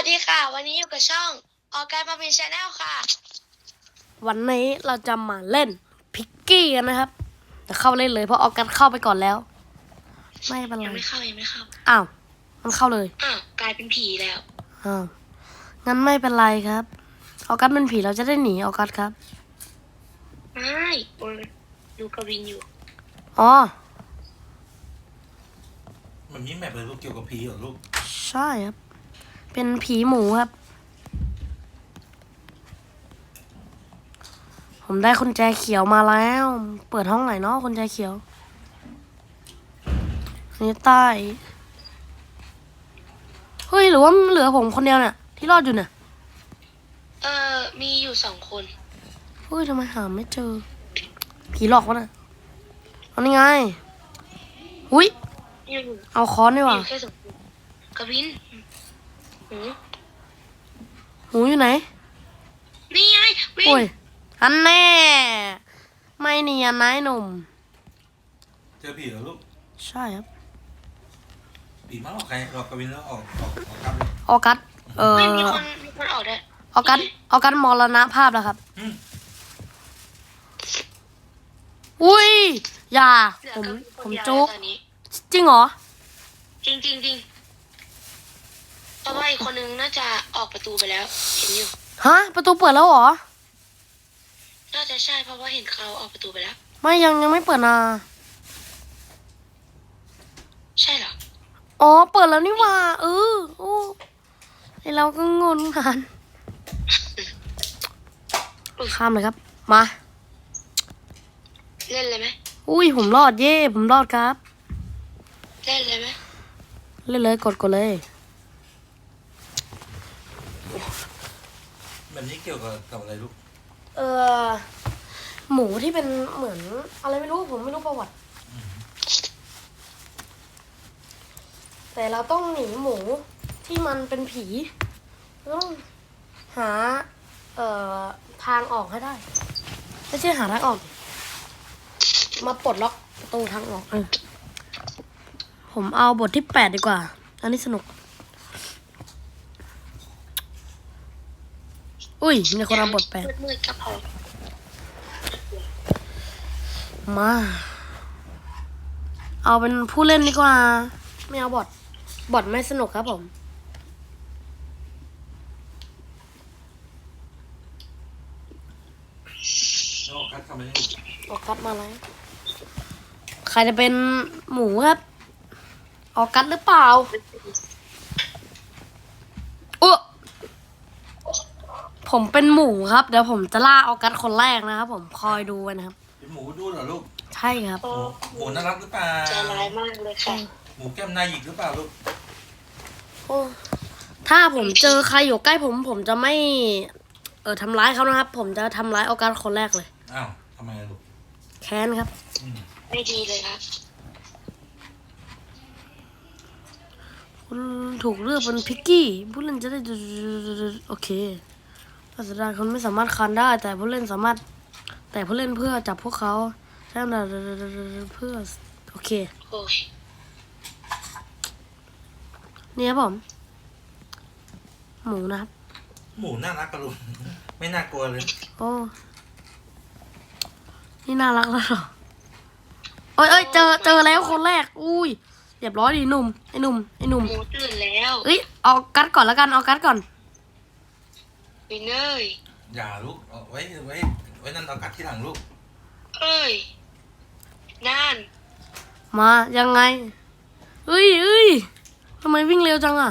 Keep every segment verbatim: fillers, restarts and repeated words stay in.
สดีค่ะวันนี้อยู่กับช่องออร์แกนมาเป็นชาแนลค่ะวันนี้เราจะมาเล่นพิกกี้กันนะครับแต่เข้าเล่นเลยเพราะออกัสเข้าไปก่อนแล้วไม่เป็นไรยังไม่เข้ายังไม่เข้าอ้าวมันเข้าเลยอ้าวกลายเป็นผีแล้วอ้าวงั้นไม่เป็นไรครับออกัสเป็นผีเราจะได้หนีออกัสครับไม่โอ้ยดูกวินอยู่อ๋อมันมีแมปเลยลูกเกี่ยวกับผีเหรอลูกใช่ครับเป็นผีหมูครับผมได้กุญแจเขียวมาแล้วเปิดห้องไหนเนาะกุญแจเขียวนี่ใต้เฮ้ยหรือว่าเหลือผมคนเดียวเนี่ยที่รอดอยู่เนี่ยเออมีอยู่สองคนเฮ้ยทำไมหาไม่เจอผีหลอกวะน่ะเอานี่ไงหุ้ยอยู่เอาค้อนดีกว่าอยู่แค่สองคนกวินหูหูอยู่ไหนนี่ไงวินโอ้ยอันแน่ไม่เนียนนายหนุ่มเจอผีเหรอลูกใช่ครับผีมาหลอกใครหลอกกวินแล้วออกออกออกกลับเลยออกัสเออไม่มีคนมีคนออกได้ออกัสออกัสมรณภาพแล้วครับอืมอุ้ยอย่าเหลือผมกวินคผนมเดียวจุกตอนนี้จริงเหรอจริงจริงจริงเพราะว่าอีกคนนึงน่าจะออกประตูไปแล้วเห็นอยู่ฮะประตูเปิดแล้วเหรอน่าจะใช่เพราะว่าเห็นเขาออกประตูไปแล้วไม่ยังยังไม่เปิดนะใช่เหรออ๋อเปิดแล้วนี่หว่าเออโอ้ไอเราก็งงกันข้ามเลยครับมาเล่นเลยไหมอุ้ยผมรอดเย่ผมรอดครับเล่นเลยไหมเล่นเลยกดกดเลยแบบนี้เกี่ยวกับกับอะไรลูกเออหมูที่เป็นเหมือนอะไรไม่รู้ผมไม่รู้ประวัติแต่เราต้องหนีหมูที่มันเป็นผีต้องหาเอ่อทางออกให้ได้ไม่ใช่หาทางออกมาปลดล็อกประตูทางออกเออผมเอาบทที่แปดดีกว่าอันนี้สนุกอุ้ยมีคนเอาบทแปดมืดๆก็พอมาเอาเป็นผู้เล่นดีกว่าไม่เอาบทบทไม่สนุกครับผมแล้วออกกัดทำอะไรลูกออกกัดมาแล้วใครจะเป็นหมูครับออกกัดหรือเปล่าอุ๊ผมเป็นหมูครับเดี๋ยวผมจะล่าออกกัดคนแรกนะครับผมคอยดูไว้นะครับเป็นหมูดูเหรอลูกใช่ครับหมูหมูน่ารักหรือเปล่าใจร้ายมากเลยค่ะหมูแก้มนายหยิกหรือเปล่าลูกโอ้ถ้าผมเจอใครอยู่ใกล้ผมผมจะไม่เออทำร้ายเขานะครับผมจะทำร้ายออกัสคนแรกเลยอ้าวทำไมลูกแค้นครับไม่ดีเลยครับคุณถูกเลือกเป็นพิกกี้ผู้เล่นจะได้โอเคภาษาดาคนไม่สามารถคันได้แต่ผู้เล่นสามารถแต่ผู้เล่นเพื่อจับพวกเขาใช่ไหมเพื่อโอเคนี่ครับผมหมูนะครับหมูน่ารักกะลูกไม่น่ากลัวเลยโอ้นี่น่ารักแล้วเหรอโอ้ยเอ้ยเจอเจอแล้วคนแรกอุ้ยเรียบร้อยดีหนุ่มไอ้หนุ่มไอ้หนุ่มหมูตื่นแล้วเอ้ยเอากัดก่อนแล้วกันเอากัดก่อนวินเนอร์อย่าลูกเอาไว้ไว้ไว้นั่นเอากัดที่หลังลูกเอ้ยนั่นมายังไงเอ้ยเอ้ยทำไมวิ่งเร็วจังอ่ะ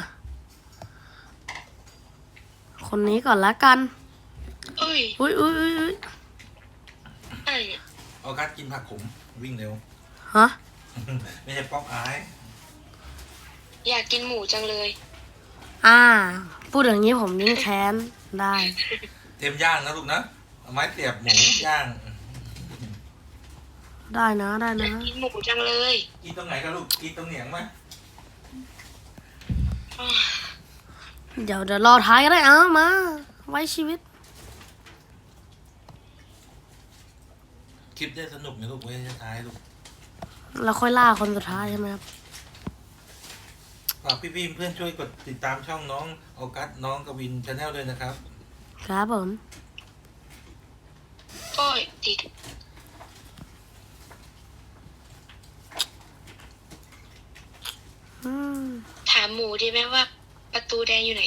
คนนี้ก่อนละกันเอ้ยอุ้ยอุ้ยอุ้ยอุ้ยไอ้เอากัดกินผักขมวิ่งเร็วฮะไม่ใช่ป๊อกอายอยากกินหมูจังเลยอ่าพูดอย่างนี้ผมยิ่งแค้นได้เตรียมย่างนะลูกนะเอาไม้เสียบหมูย่างได้นะได้นะกินหมูจังเลยกินตรงไหนกันลูกกินตรงเหนียงไหมเดี๋ยวเดี๋ยวรอท้ายก็ได้เอามาไว้ชีวิตคลิปได้สนุกนะลูกไว้ท้ายลูกเราค่อยล่าคนสุดท้ายใช่ไหมครับฝากพี่ๆเพื่อนช่วยกดติดตามช่องน้องออกัสน้องกวินชาแนลด้วยนะครับครับผมโอ้ยติดอืมถามหมูดีไหมว่าประตูแดงอยู่ไหน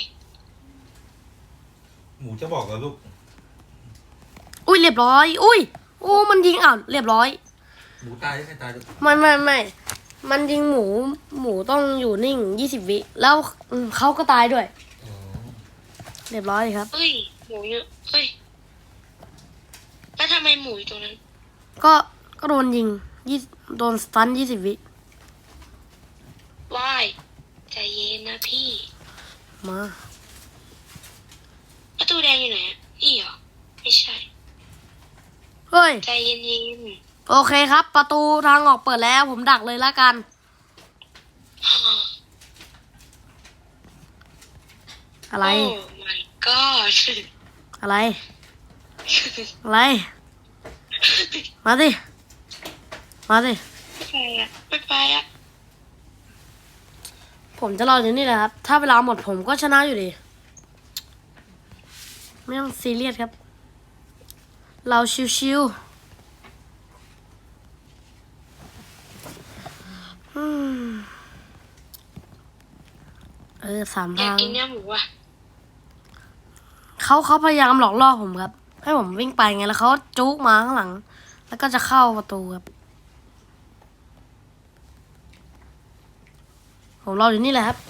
หมูจะบอกเหรอลูกอุ้ยเรียบร้อย อุ้ยโอ้มันยิงอ่ะเรียบร้อยหมูตายยังไงตายลูกไม่ไม่ไม่มันยิงหมู หมูต้องอยู่นิ่งยี่สิบวิ แล้วอืมเขาก็ตายด้วยอ๋อเรียบร้อยครับเฮ้ย หมูเยอะเฮ้ย แล้วทำไมหมูอยู่ตรงนั้นก็ ก็โดนยิงยี่โดนสตันยี่สิบวิว่ายใจเย็นนะพี่มาประตูแดงอยู่ไหนอะนี่เหรอ ไม่ใช่เฮ้ยใจเย็นโอเคครับ ประตูทางออกเปิดแล้ว ผมดักเลยละกันๆอะไรโอ้ my god อะไร อะไร มาสิ มาสิไม่ไปอะไม่ไปอะผมจะรออยู่นี่แหละครับ ถ้าเวลาหมดผมก็ชนะอยู่ดี ไม่ต้องซีเรียสครับ เราชิวๆอืมเออสามอยากทางกินเนื้อหมูอะเขาเขาพยายามหลอกล่อผมครับ ให้ผมวิ่งไปไงแล้วเขาจุกมาข้างหลัง แล้วก็จะเข้าประตูครับ ผมรออยู่นี่แหละครับ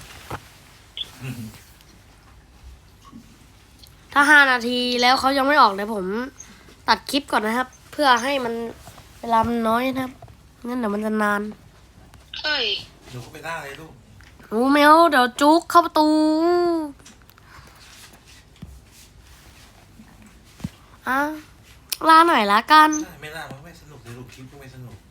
ถ้าห้านาทีแล้วเขายังไม่ออกเดี๋ยวผมตัดคลิปก่อนนะครับ เพื่อให้มันเวลามันน้อยนะครับงั้นเดี๋ยวมันจะนานเฮ้ยหนูก็ไปล่าเลยลูกโอ้แมวเดี๋ยวจุกเข้าประตูอ่ะลาหน่อยละกันใช่ไม่ล่ามันไม่สนุกเลยลูกคลิปก็ไม่สนุก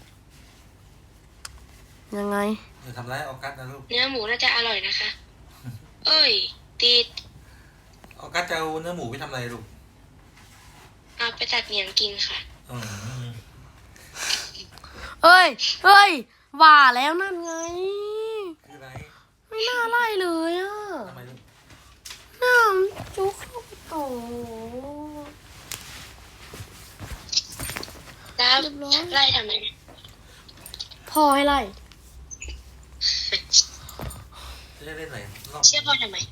ยังไงอย่าทำร้ายออกัสนะลูกเนื้อหมูน่าจะอร่อยนะคะ เอ้ย ติดออกัสจะเอาเนื้อหมูไปทำอะไรลูกเอาไปตัดเหนียงกินค่ะอืมเอ้ยเอ้ยว่าแล้วนั่นไงคืออะไรไม่น่าไล่เลยอ่ะทำไมลูกน้ำจุกเข้าประตูแล้วเรียบร้อยไล่ทำไมเนี่ยพ่อให้ไล่จะได้เล่นไหนรอบเชื่อพ่อทำไม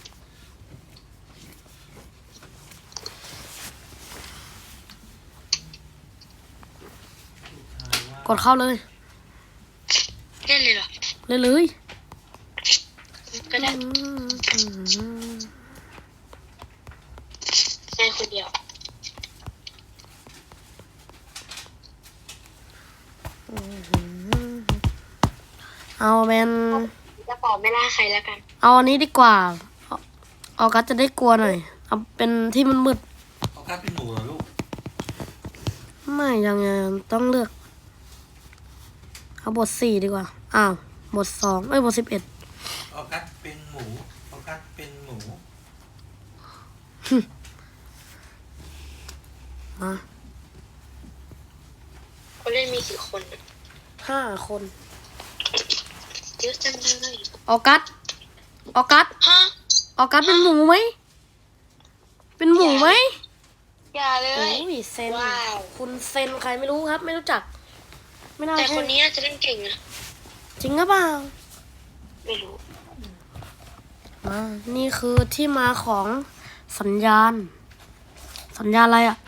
กดเข้าเลยเล่นเลยเหรอเลยเลยก็ได้ในคนเดียวเอาเป็นจะขอไม่ล่าใครแล้วกันเอาอันนี้ดีกว่าเอาเอากัสจะได้กลัวหน่อย เอาเป็นที่มันมืดออกัสเป็นหมูเหรอลูกไม่ยังยังต้องเลือก เอาบทสี่ดีกว่า อ้าว บทสองเอ้ย บทสิบเอ็ดออกัสเป็นหมูออกัสเป็นหมูมาคนเล่นมีกี่คนอะห้าคนเยอะจังเลยออกัสออกัสฮะออกัสเป็นหมูไหม เป็นหมูไหมอย่าเลโอ้ยยเซนว้าวคุณเซนใครไม่รู้ครับ ไม่รู้จัก ไม่น่าแต่ใช่คนนี้น่าจะเล่นเก่งนะจริงหรือเปล่าไม่รู้อ่านี่คือที่มาของสัญญาณ สัญญาณอะไรอ่ะ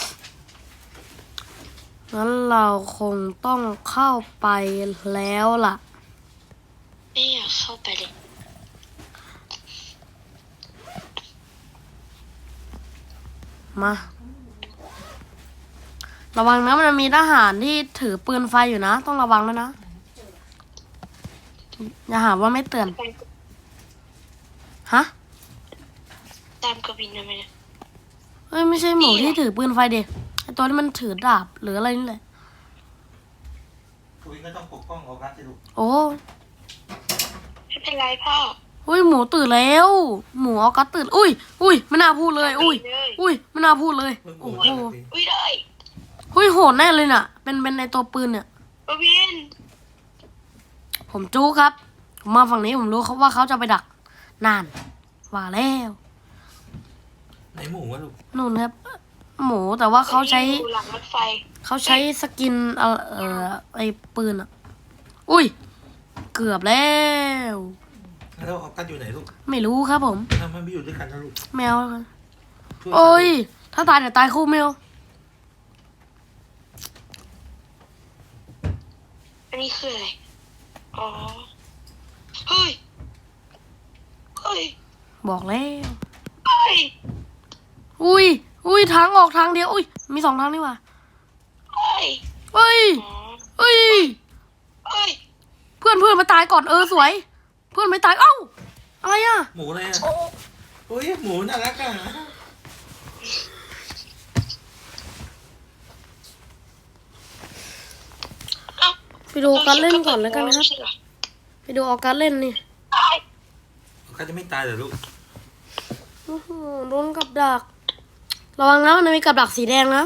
งั้นเราคงต้องเข้าไปแล้วล่ะไม่อยากเข้าไปเลยมา ระวังนะมันจะมีทหารที่ถือปืนไฟอยู่นะ ต้องระวังด้วยนะ อย่าหาว่าไม่เตือน ฮะตามกวินทำไมเนี่ยเฮ้ยไม่ใช่หมูนี่เหรอที่ถือปืนไฟเด็กไอตัวที่มันถือดาบหรืออะไรนี่แหละกวินก็ต้องปกป้องออกัสสิลูกโอ้ไม่เป็นไรพ่ออุ้ยหมูตื่นแล้ว หมูออกัสตื่น อุ้ย อุ้ยไม่น่าพูดเลย อุ้ยเลยอุ้ยไม่น่าพูดเลยเพิ่งหโอ้มูโหมาสิอุ้ยเลยอุ้ยโหดแน่เลยน่ะ เป็นเป็นในตัวปืนเนี่ยกวินผมจู้ครับผมมาฝั่งนี้ผมรู้เขาว่าเขาจะไปดักนานว่าแล้วไหนหมูวะลูกนู่นครับ หมูแต่ว่าเขาใช้อยู่หลังรถไฟเขาใช้สกินเอ่อเอ่อไอ้ปืนอ่ะ อุ้ย เกือบแล้วแล้วออกัสอยู่ไหนลูกไม่รู้ครับผมทำไมไม่อยู่ด้วยกันนะลูกแมวช่วยโอ้ย ถ้าตายเดี๋ยวตายคู่แมวอันนี้คืออะไร อ๋อ เฮ้ย เฮ้ยบอกแล้วเฮ้ยอุ้ย อุ้ยทางออกทางเดียว อุ้ย มีสองทางนี่หว่าเฮ้ยเฮ้ยอ๋อเฮ้ยเฮ้ยเพื่อนเพื่อนมาตายก่อนเออสวย เพื่อนไม่ตาย เอ้า อะไรอ่ะหมูอะไรอ่ะโอ้โอ้ยหมูน่ารักอ่ะเอ้าไปดูออกัสเล่นก่อนแล้วกันนะครับ ไปดูออกัสเล่นนี่ตายออกัสจะไม่ตายเหรอลูกโอ้โหโดนกับดัก ระวังนะมันมีกับดักสีแดงนะ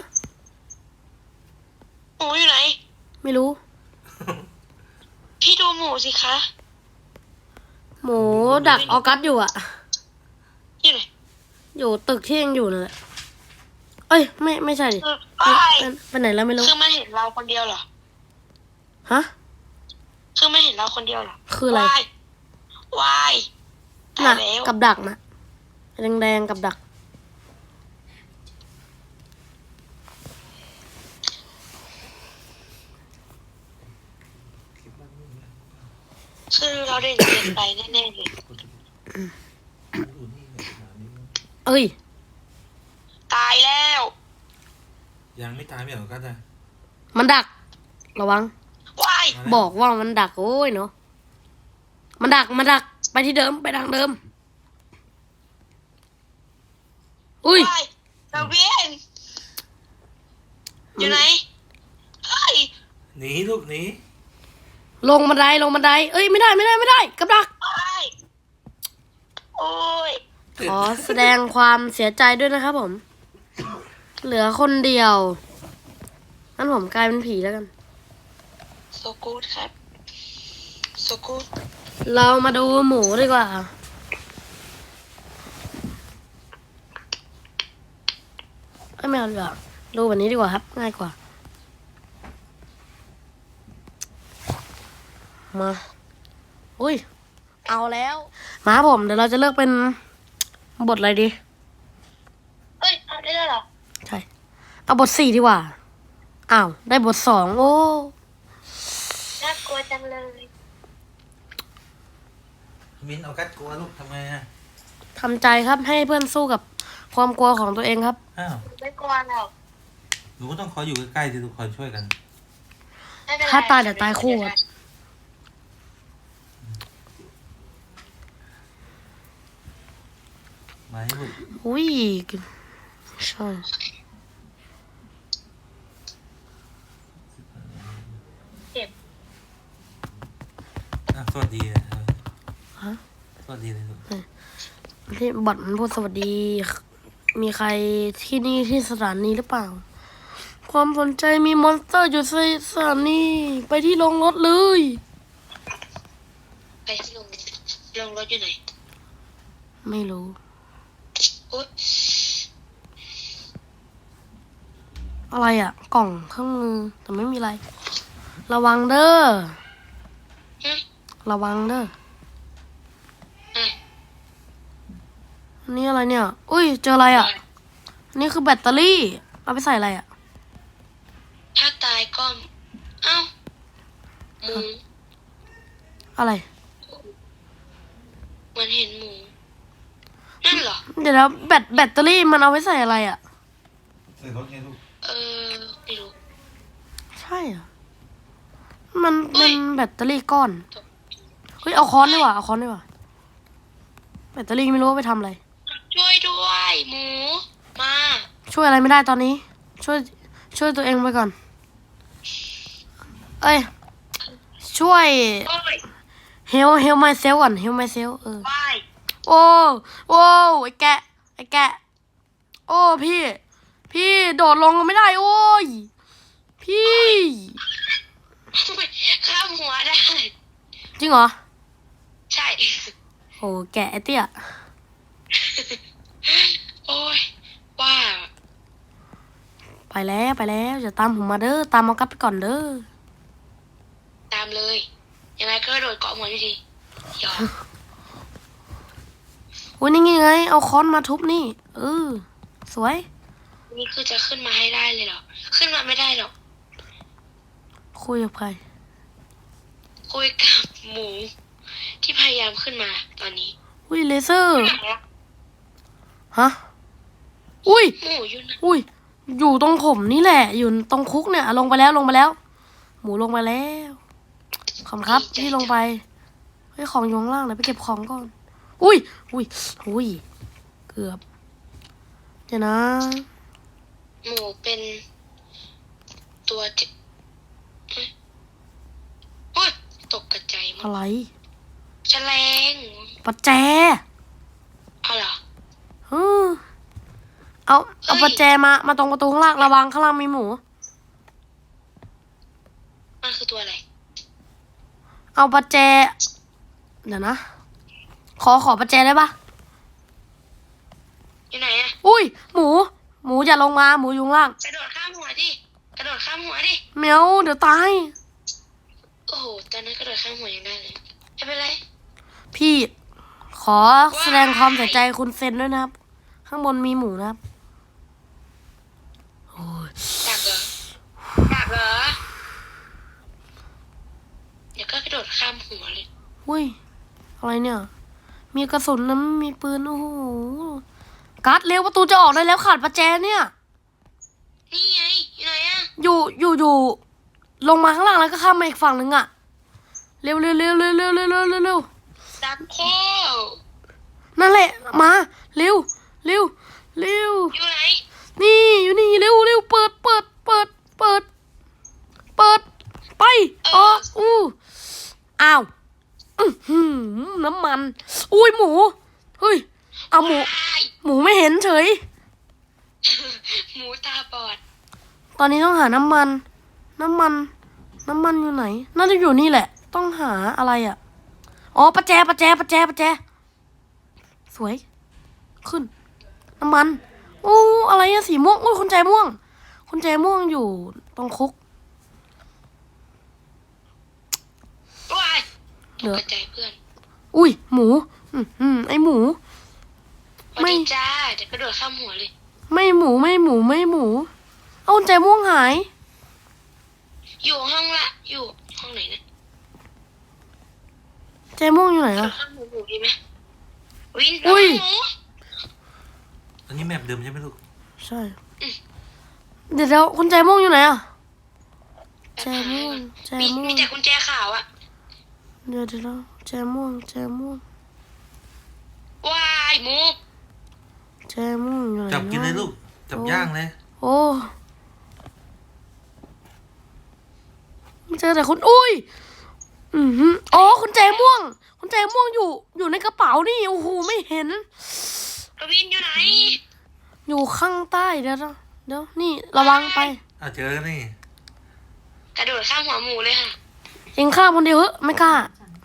หมูอยู่ไหนไม่รู้พี่ดูหมูสิคะหมูดักออกัสอยู่อะอยู่ไหนอยู่ตึกที่ยังอยู่นั่นแหละเอ้ย ไม่ไม่ใช่ดิเออไปว้ายไปไปไหนแล้วไม่รู้คือมันเห็นเราคนเดียวเหรอฮะคือมันเห็นเราคนเดียวเหรอคืออะไรวายวายตาน่ะยแล้วกับดักนะแดงๆกับดักคือเราได้เรียนไปแน่ๆเลยเอ้ยตายแล้วยังไม่ตายไม่เหรอออกัสอ่ะมันดัก ระวังวายมาแล้วบอกว่ามันดักโอ้ยเนาะ มันดัก มันดัก ไปที่เดิม ไปทางเดิม อุ้ยวายเราเวียนอยู่ไหน เฮ้ยหนีลูกหนีลงบันได ลงบันได เอ้ย ไม่ได้ ไม่ได้ ไม่ได้ กับดักวายโอ้ยขอแสดงความเสียใจด้วยนะครับผม เหลือคนเดียว งั้นผมกลายเป็นผีแล้วกันโซกูดครับโซกูดเรามาดูหมูดีกว่า เอ้ยไม่เอาดีกว่าดูแบบนี้ดีกว่าครับ ง่ายกว่า มา อุ้ย เอาแล้ว มาครับผม เดี๋ยวเราจะเลือกเป็นบทอะไรดีเฮ้ยเอาได้แล้วเหรอใช่ เอาบทสี่ดีกว่า อ้าว ได้บทสอง โอ้น่ากลัวจังเลยมินออกัสกลัวลูกทำไมอ่ะทำใจครับ ให้เพื่อนสู้กับความกลัวของตัวเองครับอ้าวไม่กลัวหรอกหนูก็ต้องคอยอยู่ใกล้ๆสิทุกคนช่วยกันไม่เป็นไรถ้าตายเดี๋ยวตายคู่ครับมาให้ลูกอุ้ยใช่เจ็บอ่ะสวัสดีอ่ะเออฮะสวัสดีเลยลูกที่บัตรมันพูดสวัสดี มีใครที่นี่ที่สถานีหรือเปล่า ความสนใจมีมอนสเตอร์อยู่ในสถานีไปที่โรงรถเลยไปที่ลงลงรถอยู่ไหนไม่รู้โอ๊ยอะไรอ่ะ กล่องเครื่องมือ แต่ไม่มีอะไร ระวังเด้อฮะระวังเด้ออ่ะอันนี้อะไรเนี่ย อุ้ย เจออะไรอ่ะ อันนี้คือแบตเตอรี่ เอาไปใส่อะไรอ่ะถ้าตายก็เอ้าหมูอะไรเหมือนเห็นหมู นั่นเหรอเดี๋ยวนะแบตแบตเตอรี่มันเอาไว้ใส่อะไรอ่ะใส่รถไงลูกเออไม่รู้ใช่เหรอมันเฮ้มันยแบตเตอรี่ก้อน เฮ้ย เอาค้อนดีกว่า เอาค้อนดีกว่า แบตเตอรี่ไม่รู้ว่าไปทำอะไรช่วยด้วยหมู มาช่วยอะไรไม่ได้ตอนนี้ ช่วย ช่วยตัวเองไปก่อน เอ้ย ช่วยโอ้ย help help myself ก่อน help myself เออวายโอ้โอ้ไอ้แกะ ไอ้แกะ โอ้พี่ พี่โดดลงไม่ได้ โอ้ย พี่ข้ามหัวได้จริงเหรอแกะไอเตี้ยโอ้ยว่าไปแล้วไปแล้วอย่าตามผมมาเด้อตามเอากัดไปก่อนเด้อตามเลย ยังไงก็โดดเกาะหัวอยู่ดีหยอกอุ้ยนี่ไงเอาค้อนมาทุบนี่เออสวยนี่คือจะขึ้นมาให้ได้เลยเหรอ ขึ้นมาไม่ได้หรอกคุยกับใครคุยกับหมู ที่พยายามขึ้นมาตอนนี้อุ้ยเลเซอร์ฮะอุ้ยหมูอยู่นะอุ้ยอยู่ตรงผมนี่แหละ อยู่ตรงคุกเนี่ยลงไปแล้วลงไปแล้ว หมูลงไปแล้วขอบคุณครับที่ลงไปเฮ้ยของอยู่ข้างล่างเดี๋ยวไปเก็บของก่อน อุ้ยอุ้ยอุ้ยเกือบเดี๋ยวนะหมูเป็นตัวที่เอ้ยโอ๊ยตกกระจายหมดอะไรแฉลงประแจเอาเหรอเออเอาเอาเฮ้ยประแจมามาตรงประตูข้างล่างระวังข้างล่างมีหมูมันคือตัวอะไรเอาประแจเดี๋ยวนะ ขอขอประแจได้ปะอยู่ไหนอะอุ้ยหมู หมูอย่าลงมาหมูอยู่ข้างล่างกระโดดข้ามหัวดิ กระโดดข้ามหัวดิแมวเดี๋ยวตายโอ้โห ตอนนั้นกระโดดข้ามหัวยังได้เลย ไม่เป็นไรพี่ขอแสดงความเสียใจคุณเซนด้วยนะครับ ข้างบนมีหมูนะครับโอ้ยดักเหรอ ดักเหรอ เดี๋ยวก็กระโดดข้ามหัวเลยอุ้ยอะไรเนี่ย มีกระสุนนะมีปืนโอ้โหกัดเร็วประตูจะออกได้แล้วขาดประแจเนี่ยนี่ไง อยู่ไหนอะอยู่อยู่อยู่ลงมาข้างล่างแล้วก็ข้ามมาอีกฝั่งหนึ่งอะเร็วเร็วเร็วเร็วเร็วเร็วเร็วเร็วเร็วดักโคนั่นแหละมาเร็วเร็วเร็วอยู่ไหนนี่อยู่นี่เร็วเร็วเปิดเปิดเปิดเปิดเปิดไปอ๋ออู้อ้าวอื้อหือน้ำมันอุ้ยหมูเฮ้ยเอาหมูว้ายหมูไม่เห็นเฉยหมูตาบอดตอนนี้ต้องหาน้ำมัน น้ำมัน น้ำมันอยู่ไหน น่าจะอยู่นี่แหละ ต้องหาอะไรอ่ะ อ๋อประแจประแจประแจประแจ สวย ขึ้น น้ำมันโอ้อะไรอะสีม่วงอุ้ยคนใจม่วง คนใจม่วงอยู่ตรงคุกว้ายตเหลืกอกระจายเพื่อนอุ้ยหมู อืมอืมไอหมูสวัสไม่ดีจ้า เดี๋ยวกระโดดข้ามหัวเลยไม่หมูไม่หมูไม่หมู เอาคนใจม่วงหายอยู่ห้องละ อยู่ห้องไหนนะใจม่วงอยู่ไหนกระโดอะดข้ามหัวหมูดีไหมวินอุ้ยหมูอันนี้แมปเดิมใช่ไหมลูกใช่ เดี๋ยวเดี๋ยวคุณใจม่วงอยู่ไหนอะใจม่วงใจมีม่วมีงแต่กุญแจขาวอะเดี๋ยวเดี๋ยวนะแจม่วงแจม่วงว้ายหมูแจม่วงอยู่ไหนจับกินเลยลูก จับย่างเลยโอ้ไม่เจอแต่คุณอุ้ย อือหืออ๋อคุณแจม่วง คุณแจม่วงอยู่ อยู่ในกระเป๋านี่โอ้โหไม่เห็นกวินอยู่ไหนอยู่ข้างใต้เดี๋ยวนะเดี๋ยวนี่ระวังไปอ่ะเจอนี่กระโดดข้ามหัวหมูเลยค่ะเองข้ามคนเดียวเหอะไม่กล้า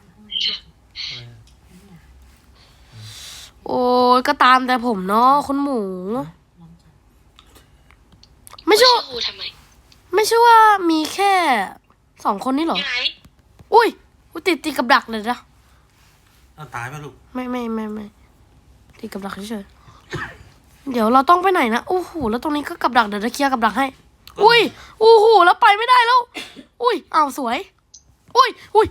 โอ้ยก็ตามแต่ผมเนาะคุณหมู ไม่ใช่ชื่อว่าครูทำไมไม่ใช่ว่ามีแค่สองคนนี้เหรออยู่ไหนอุ้ยอุ้ยติดติดกับดักเลยนะเอาตายไหมลูกไม่ไม่ไม่ไม่ติดกับดักเฉยๆเดี๋ยวเราต้องไปไหนนะโอ้โหแล้วตรงนี้ก็กับดักเดี๋ยวจะเคลียร์กับดักให้ อุ้ยโอ้โหแล้วไปไม่ได้แล้ว อุ้ยอ้าวสวย อุ้ยอุ้ย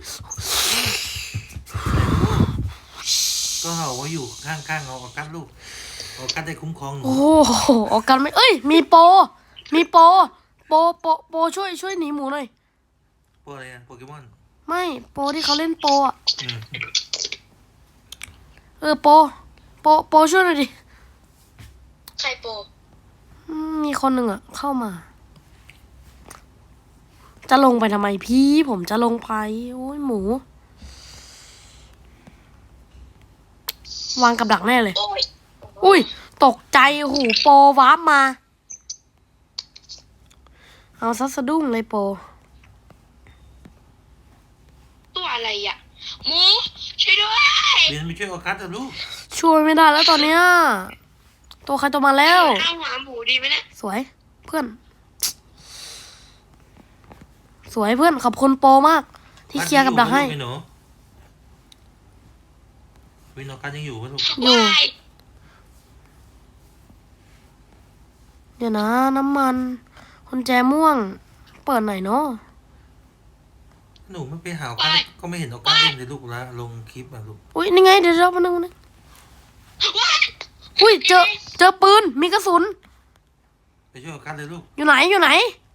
ก็เอาไว้อยู่ข้างๆเอาออกัสลูกออกัสได้คุ้มครองหนูโอ้โหออกกันไม่เอ้ยมีโปรมีโปรโปรโปรโปรช่วยช่วยหนีหมูหน่อยโปอะไรอะโปเกมอนไม่โปรที่เขาเล่นโปรอ่ะอืมเออโปรโปรโปรช่วยหน่อยดิใครโปอืมมีคนหนึ่งอ่ะเข้ามา จะลงไปทำไมพี่ผมจะลงไปโอ้ยหมู วางกับดักแน่เลยโอ้ยอุ้ยตกใจหูโปรวาร์ปมา เอาซัสะดุ้งเลยโปรตัวอะไรอ่ะหมูช่วยด้วยเรียนไปช่วยออกัสเถอะลูกช่วยไม่ได้แล้วตอนเนี้ยตัวใครตัวมาแล้วข้าวหมาหมูดีไหมเนี่ยสวยเพื่อน สวยเพื่อนขอบคุณโปรมาก ที่เคลียร์กับดักให้กัสยังอยู่ไหมลูกไอ้หนูวินออกัสยังอยู่ไหมลูกอยู่ว้ายเดี๋ยวนะน้ำมันกุญแจม่วง เปิดไหนเนาะหนูไม่ไปหาออกัสก็ไม่เห็นออกัสเล่นเลยลูกละลงคลิปอ่ะลูกอุ้ยนี่ไงเดี๋ยวเรามาหนึ่งนึงว้ายอุ้ยเจอเจอปืนมีกระสุนไปช่วยออกัสเลยลูกอยู่ไหนอยู่ไหน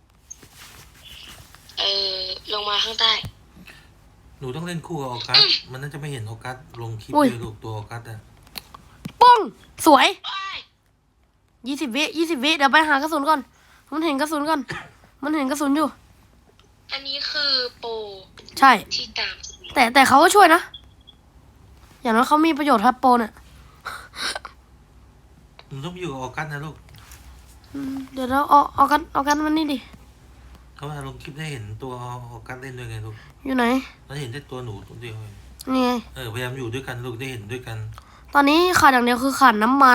เออลงมาข้างใต้หนูต้องเล่นคู่กับออกัสมันน่าจะไม่เห็นออกัสลงคลิปอุ้ยเลยลูกตัวออกัสอ่ะป้องสวยว้ายยี่สิบวิยี่สิบวิเดี๋ยวไปหากระสุนก่อน มันเห็นกระสุนก่อน มันเห็นกระสุนอยู่อันนี้คือโปรใช่ที่ตามแต่แต่เขาก็ช่วยนะ อย่างน้อยเขามีประโยชน์ครับโปรเนี่ยหนูต้องไปอยู่กับออกัสนะลูกอืมเดี๋ยวเราเอาเอากันเอากันมันนี่ดิเขาว่าลงคลิปได้เห็นตัวออกัสเล่นด้วยไงลูกอยู่ไหนแล้วเห็นแต่ตัวหนูตัวเดียวเองนี่ไงเออพยายามอยู่ด้วยกันลูกได้เห็นด้วยกันตอนนี้ขาดอย่างเดียวคือขาดน้ำมัน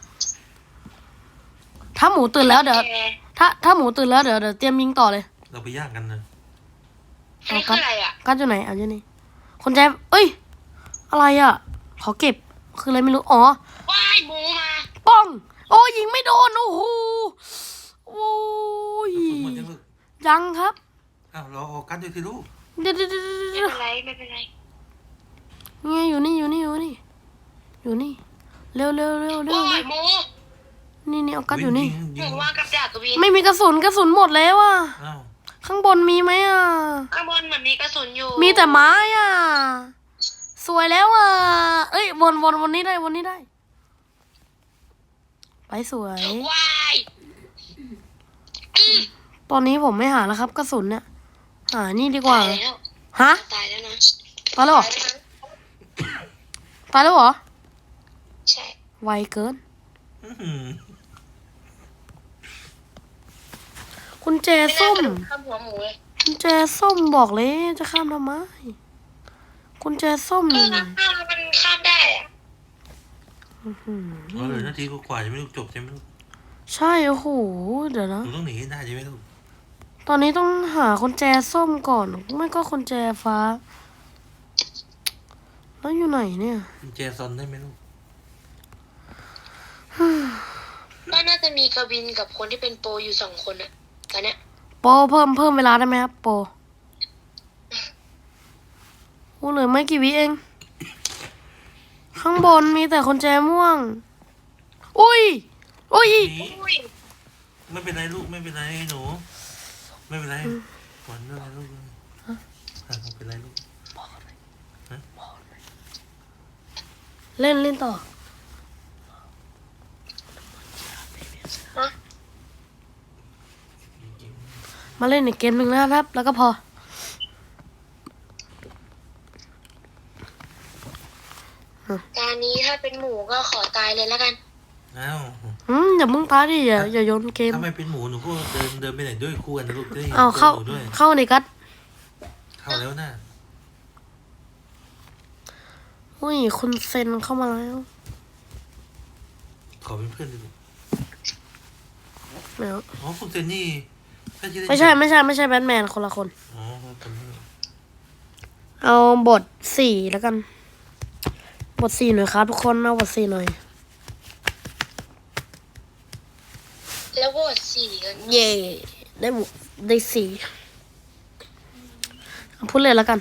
ถ้าหมูตื่นแล้วเดี๋ยวแกถ้าถ้าหมูตื่นแล้วเดี๋ยวเดี๋ยวเตรียมยิงต่อเลยเราไปย่างกันนะอันนี้คืออะไรอ่ะกัดอยู่ไหนเอาอยู่นี่คนใจเอ้ย อะไรอ่ะ ขอเก็บ คืออะไรไม่รู้ อ๋อว้ายหมูมาป้อง โอ้ยิงไม่โดน โอ้โห โอ้ยสมมติยังลูกยังครับอ้าวรอออกัสด้วยสิลูกเดี๋ยวเดี๋ยวเดี๋ยวไม่เดี๋ยวเป็นไรไม่เป็นไรไงอยู่นี่อยู่นี่อยู่นี่ อยู่นี่ เร็วเร็วเร็วเร็วว้าเร็ยว หมูนี่นี่เอากัดอยู่นี่ยิงหยิมูงวางกับดักกับวินไม่มีกระสุนกระสุนหมดแล้วอ่ะอ้าวข้างบนมีไหมอ่ะข้างบนเหมือนมีกระสุนอยู่มีแต่ไม้อ่ะ สวยแล้วอ่ะ เอ้ยวนวนวนนี้ได้วนนี้ได้ ไปสวยว้ายอืมตอนนี้ผมไม่หาแล้วครับ กระสุนเนี่ย หานี่ดีกว่าตายแล้วฮะตายแล้วนะตายแล้วเหรอตายแล้วนะตายแล้วเหรอใช่ไวเกินอื้อหือคุณแจไม่น่าส้มสนุกข้ามหัวหมูเลยคุณแจส้มบอกเลยจะข้ามทำไมคุณแจส้มเอนี่อข้ามมันข้ามได้อะอื้อหือเราเหลือนาทีกว่าๆจะไม่ลูกจบใช่ไหมลูกใช่โอ้โหเดี๋ยวหนะนูต้องหนีให้ได้ใช่ไหมลูกตอนนี้ต้องหาคุณแจส้มก่อน ไม่ก็คุณแจฟ้า แล้วอยู่ไหนเนี่ยกุญแจซอนได้ไหมลูกก็น่าจะมีกวินกับคนที่เป็นโปรอยู่สองคนอะตอนเนี้ยโปรเพิ่มเพิ่มเวลาได้ไหมครับโปรโอ้เหลือไม่กี่วิเอง ข้างบนมีแต่คนแจม่วง อุ้ย อุ้ยหนีอุ้ยไม่เป็นไรลูกไม่เป็นไรหนู ไม่เป็นไรหวันอะไรลูกอ่ะไม่เป็นไรลูกเล่นเล่นต่อฮะมาเล่นอีกเกมหนึ่งนะครับ แล้วก็พอตอนนี้ถ้าเป็นหมูก็ขอตายเลยแล้วกันอ้าวอืมอย่ามึงตายดิอย่าอย่าโยนเกมถ้าไม่เป็นหมูหนูก็เดินเดินไปไหนด้วยคู่กันนะลูกจะได้เห็นเอาตัวเข้าหนูด้วยเข้าในกัดเข้าแล้วนะอุ้ยคุณเซนเข้ามาแล้วขอเป็นเพื่อนดิลูกเดี๋ยวอ๋อคุณเซนนี่ถ้าจะด้ไม่ใช่ไม่ใช่ไม่ใช่แบทแมนคนละคนอ๋อคนนี้เอาบทสี่แล้วกัน บทสี่หน่อยครับทุกคนเอาบทสี่หน่อยแล้วโหวตสี่กันเย่ได้บทได้สี่เอาพูดเลยแล้วกัน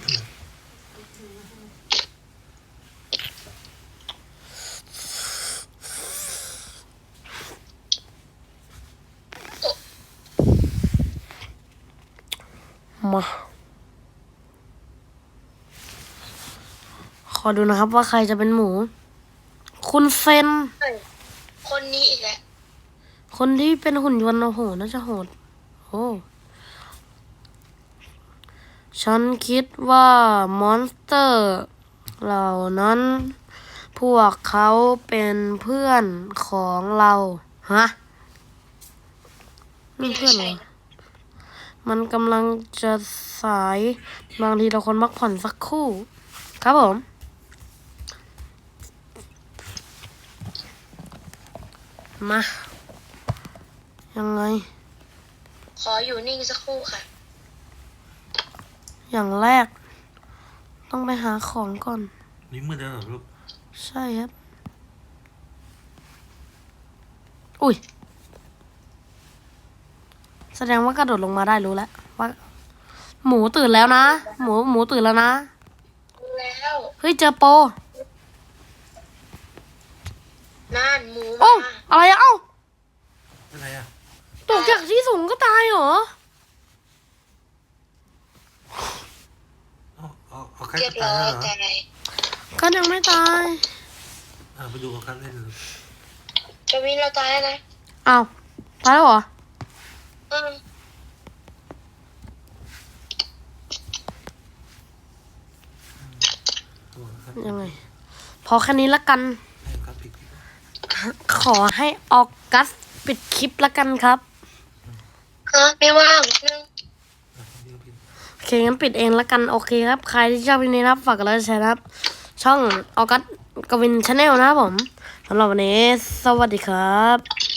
มา ขอดูนะครับว่าใครจะเป็นหมู คุณเซนเฮ้ยคนนี้อีกแล้วคนที่เป็นหุ่นยนต์โอ้โหน่าจะโหดโอ้ฉันคิดว่ามอนสเตอร์เหล่านั้น พวกเขาเป็นเพื่อนของเรา ฮะนี่เพื่อนเหรอ มันกำลังจะสาย บางทีเราควรพักผ่อนสักครู่ ครับผมมา ยังไงขออยู่นิ่งสักครู่ค่ะอย่างแรก ต้องไปหาของก่อนนี่มืดแล้วเหรอลูกใช่ครับ อุ้ย แสดงว่ากระโดดลงมาได้รู้แล้วว่า หมูตื่นแล้วนะ หมูหมูตื่นแล้วนะรู้แล้วเฮ้ยเจอโปรน่านหมูโอ้มาอะไรอะเอ้าอะไรอ่ะตกจากที่สูงก็ตายเหรอเอาเอาเอาใครเรียบตาร้ยอยแล้วเหรอใจกันยังไม่ตายอ่าไปดูกับกันเล่นเลยกวินเราตายแล้วนะอ้าวตายแล้วเหรออืมดูกับกันยังไง พอแค่นี้ละกันให้ครับผิดผิดขอให้ออกัสปิดคลิปละกันครับฮะไม่ว่างนึงอ่ะผิดผิดโอเคงั้นปิดเองละกัน โอเคครับ ใครที่ชอบวิดีโอนี้นะครับ ฝากกดไลค์กดแชร์นะครับ ช่องออกัสกวินชาแนลนะครับผมสำหรับวันนี้ สวัสดีครับ